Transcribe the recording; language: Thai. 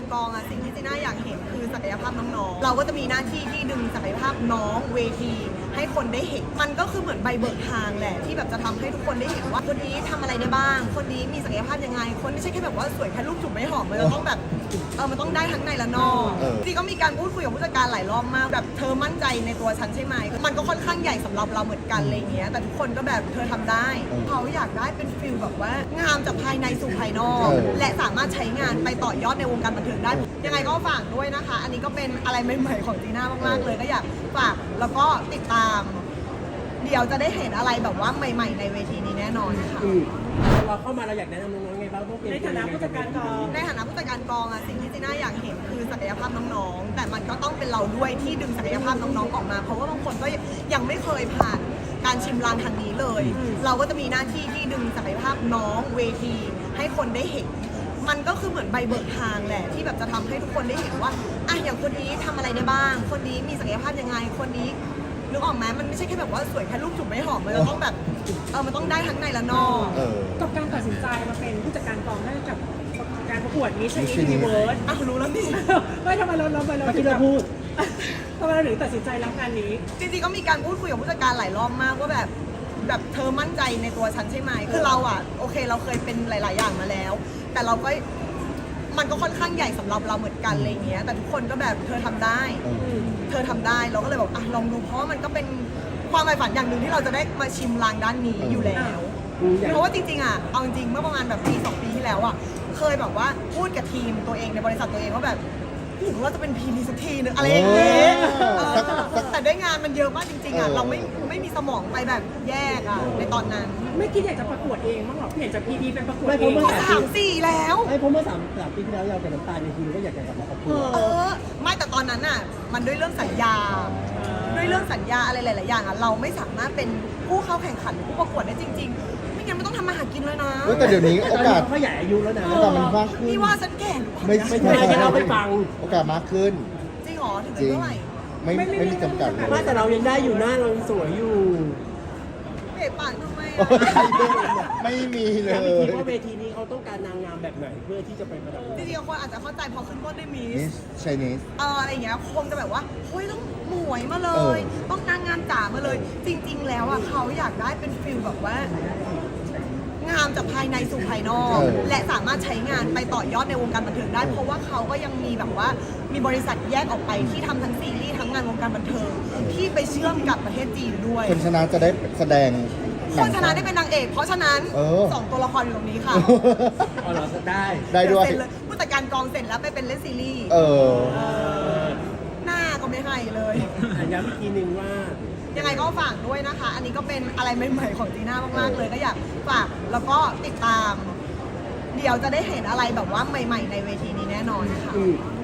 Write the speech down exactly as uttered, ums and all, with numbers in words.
กองอะสิ่งที่จีน่าอยากเห็นคือศักยภาพน้องๆเราก็จะมีหน้าที่ที่ดึงศักยภาพน้องเวทีให้คนได้เห็นมันก็คือเหมือนใบเบิกทางแหละที่แบบจะทำให้ทุกคนได้เห็นว่าคนนี้ทำอะไรได้บ้างคนนี้มีศักยภาพยังไงคนไม่ใช่แค่แบบว่าสวยแค่รูปจุ่มไม่หอมมันจะต้องแบบเออมันต้องได้ทั้งในและนอกจริงก็มีการพูดคุยกับผู้จัดการหลายรอบมากแบบเธอมั่นใจในตัวฉันใช่ไหมมันก็ค่อนข้างใหญ่สำหรับเราเหมือนกันอะไรเงี้ยแต่ทุกคนก็แบบเธอทำได้เขาอยากได้เป็นฟิลแบบว่างามจากภายในสู่ภายนอกและสามารถใช้งานไปต่อยอดในวงการบันเทิงได้ยังไงก็ฝากด้วยนะคะอันนี้ก็เป็นอะไรใหม่ๆของจีน่ามากๆเลยก็อยากฝากแล้วก็ติดตามเดี๋ยวจะได้เห็นอะไรแบบว่าใหม่ๆในเวทีนี้แน่นอนค่ะเราเข้ามาเราอยากแนะนำน้องๆไงบ้างในฐานะผู้จัดการกองในฐานะผู้จัดการกองอะสิ่งที่จีน่าอยากเห็นคือศักยภาพน้องๆแต่มันก็ต้องเป็นเราด้วยที่ดึงศักยภาพน้องๆออกมาเพราะว่าบางคนก็ยังไม่เคยผ่านการชิมลางทางนี้เลยเราก็จะมีหน้าที่ที่ดึงศักยภาพน้องเวทีให้คนได้เห็นมันก็คือเหมือนใบเบิกทางแหละที่แบบจะทำให้ทุกคนได้เห็นว่าอ่ะอย่างคนนี้ทำอะไรได้บ้างคนนี้มีศักยภาพยังไงคนนี้นึกออกไหมมันไม่ใช่แค่แบบว่าสวยแค่รูปจุ่มไม่หอมมันจะต้องแบบเออมันต้องได้ทั้งในและนอกกับการตัดสินใจมาเป็นผู้จัดการกองได้กับการประกวดมิสยูนิเวิร์สอ่ะรู้แล้วนี่ไม่ทำไมเราเราเราที่เราพูดทำไมเราถึงตัดสินใจรับงานนี้จริงๆก็มีการพูดคุยกับผู้จัดการหลายรอบมากว่าแบบแบบเธอมั่นใจในตัวฉันใช่ไหมคือเราอ่ะโอเคเราเคยเป็นหลายๆอย่างมาแล้วแต่เราก็มันก็ค่อนข้างใหญ่สำหรับเราเหมือนกันอะไรเงี้ยแต่ทุกคนก็แบบเธอทำได้เธอทำได้เราก็เลยบอกอ่ะลองดูเพราะว่ามันก็เป็นความใฝ่ฝันอย่างหนึ่งที่เราจะได้มาชิมลางด้านนี้อยู่แล้วเพราะว่าจริงๆอ่ะเอาจริงๆเมื่อประมาณแบบปีสองปีที่แล้วอ่ะเคยแบบว่าพูดกับทีมตัวเองในบริษัทตัวเองว่าแบบหรือว่าจะเป็นพีนี้สักทีนึงอะไรอย่างเงี้ยแต่ด้วยงานมันเยอะมากจริงๆอ่ะเราไม่ไม่มีสมองไปแบบแยกอ่ะในตอนนั้นไม่คิดอยากจะประกวดเองมั้งหรอเห็นจากพีดีเป็นประกวดเองก็สามสี่แล้วไม่เพราะเมื่อสามสามปีที่แล้วเรากับน้ำตาลในทีมก็อยากจะกลับมาประกวดเออไม่แต่ตอนนั้นอ่ะมันด้วยเรื่องสัญญาด้วยเรื่องสัญญาอะไรหลายๆอย่างอ่ะเราไม่สามารถเป็นผู้เข้าแข่งขันผู้ประกวดได้จริงๆไม่งั้นไม่ต้องทำมาหากินเลยนะแต่เดี๋ยวนี้โอกาสเขาใหญ่อายุแล้วนะโอกาสมันมากขึ้นพี่ว่าฉันแก่ไม่ไม่ใช่เราไปฟังโอกาสมากขึ้นจริงหรอถึงเท่าไหร่ไม่ไม่มีจำกัดเลยแต่เรายังได้อยู่หน้าเราสวยอยู่เป๋ปากทำไมอ่ะไม่มีเลยคิดว่าเวทีนี้เขาต้องการนางงามแบบไหนเพื่อที่จะไปประดับจริงๆคนอาจจะเข้าใจพอขึ้นต้นด้วยมิสไชนีสเอออะไรอย่างเงี้ยคงจะแบบว่าเฮ้ยต้องหมวยมาเลย ต้องนางงามจ๋ามาเลย จริงๆแล้วอ่ะเขาอยากได้เป็นฟิลแบบว่างามจากภายในสู่ภายนอกและสามารถใช้งานไปต่อยอดในวงการบันเทิงได้เพราะว่าเขาก็ยังมีแบบว่ามีบริษัทแยกออกไปที่ทำทั้งซีรีส์ทั้งงานวงการบันเทิงที่ไปเชื่อมกับประเทศจีนด้วยคนชนะจะได้แสดงคนชนะได้เป็นนางเอกเพราะฉะนั้นสองตัวละครอยู่ตรงนี้ค่ะอ๋อเราได้ได้ด้วยผู้จัดการกองเสร็จแล้วไปเป็นเล่นซีรีส์เออหน้าก็ไม่ให้เลยย้ำอีกทีนึงว่ายังไงก็ฝากด้วยนะคะ อันนี้ก็เป็นอะไรใหม่ๆของจีน่ามากๆเลยก็อยากฝากแล้วก็ติดตามเดี๋ยวจะได้เห็นอะไรแบบว่าใหม่ๆในเวทีนี้แน่นอนค่ะ